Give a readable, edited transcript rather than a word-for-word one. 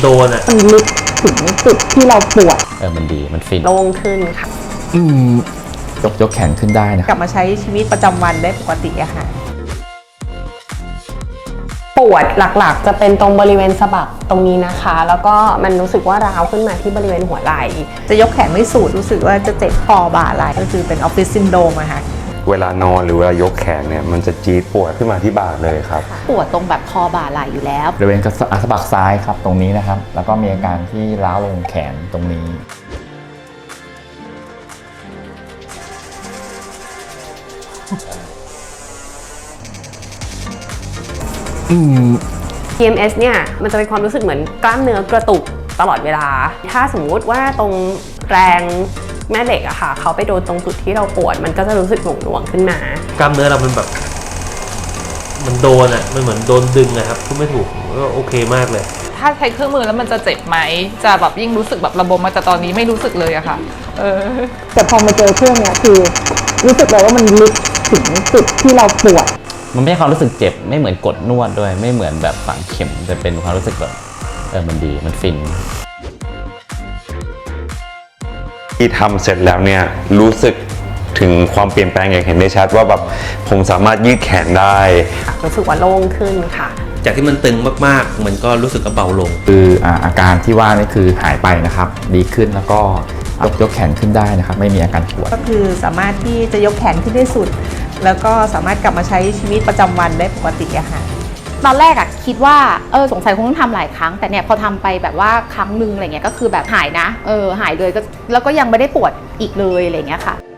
โดนอ่ะมันลึกถึงจุดที่เราปวดมันดีมันฟินโล่งขึ้นค่ะยกแขนขึ้นได้นะกลับมาใช้ชีวิตประจำวันได้ปกติอะค่ะปวดหลักๆจะเป็นตรงบริเวณสะบักตรงนี้นะคะ แล้วก็มันรู้สึกว่าร้าวขึ้นมาที่บริเวณหัวไหล่จะยกแขนไม่สุดรู้สึกว่าจะเจ็บคอบ่าไหล่ก็คือเป็นออฟฟิศซินโดรมอะค่ะเวลานอนหรือเวลายกแขนเนี่ยมันจะจี๊ดปวดขึ้นมาที่บ่าเลยครับปวดตรงแบบคอบ่าไหล่อยู่แล้วบริเวณสะบักซ้ายครับตรงนี้นะครับแล้วก็มีอาการที่ร้าวลงแขนตรงนี้ PMS เนี่ยมันจะเป็นความรู้สึกเหมือนกล้ามเนื้อกระตุกตลอดเวลาถ้าสมมุติว่าตรงแรงแม่เหล็กอะค่ะเขาไปโดนตรงจุดที่เราปวดมันก็จะรู้สึกหน่วงๆขึ้นมากล้ามเนื้อเรามันแบบมันโดนอ่ะมันเหมือนโดนดึงนะครับพูดไม่ถูกก็โอเคมากเลยถ้าใช้เครื่องมือแล้วมันจะเจ็บไหมจะแบบยิ่งรู้สึกแบบระบมมาแต่ตอนนี้ไม่รู้สึกเลยอะค่ะแต่พอมาเจอเครื่องเนี้ยคือรู้สึกเลยว่ามันลึกถึงจุดที่เราปวดมันไม่ใช่ความรู้สึกเจ็บไม่เหมือนกดนวดด้วยไม่เหมือนแบบฝังเข็มแต่เป็นความรู้สึกแบบมันดีมันฟินที่ทำเสร็จแล้วเนี่ยรู้สึกถึงความเปลี่ยนแปลงอย่างเห็นได้ชัดว่าแบบผมสามารถยืดแขนได้รู้สึกว่าโล่งขึ้นค่ะจากที่มันตึงมากๆมันก็รู้สึกว่าเบาลงคืออาการที่ว่านี่คือหายไปนะครับดีขึ้นแล้วก็ยกแขนขึ้นได้นะครับไม่มีอาการปวดก็คือสามารถที่จะยกแขนขึ้นได้สุดแล้วก็สามารถกลับมาใช้ชีวิตประจำวันได้ปกติอะค่ะตอนแรกอะคิดว่าสงสัยคงต้องทำหลายครั้งแต่เนี่ยพอทำไปแบบว่าครั้งนึงอะไรเงี้ยก็คือแบบหายนะหายเลยก็แล้วก็ยังไม่ได้ปวดอีกเลยอะไรเงี้ยค่ะ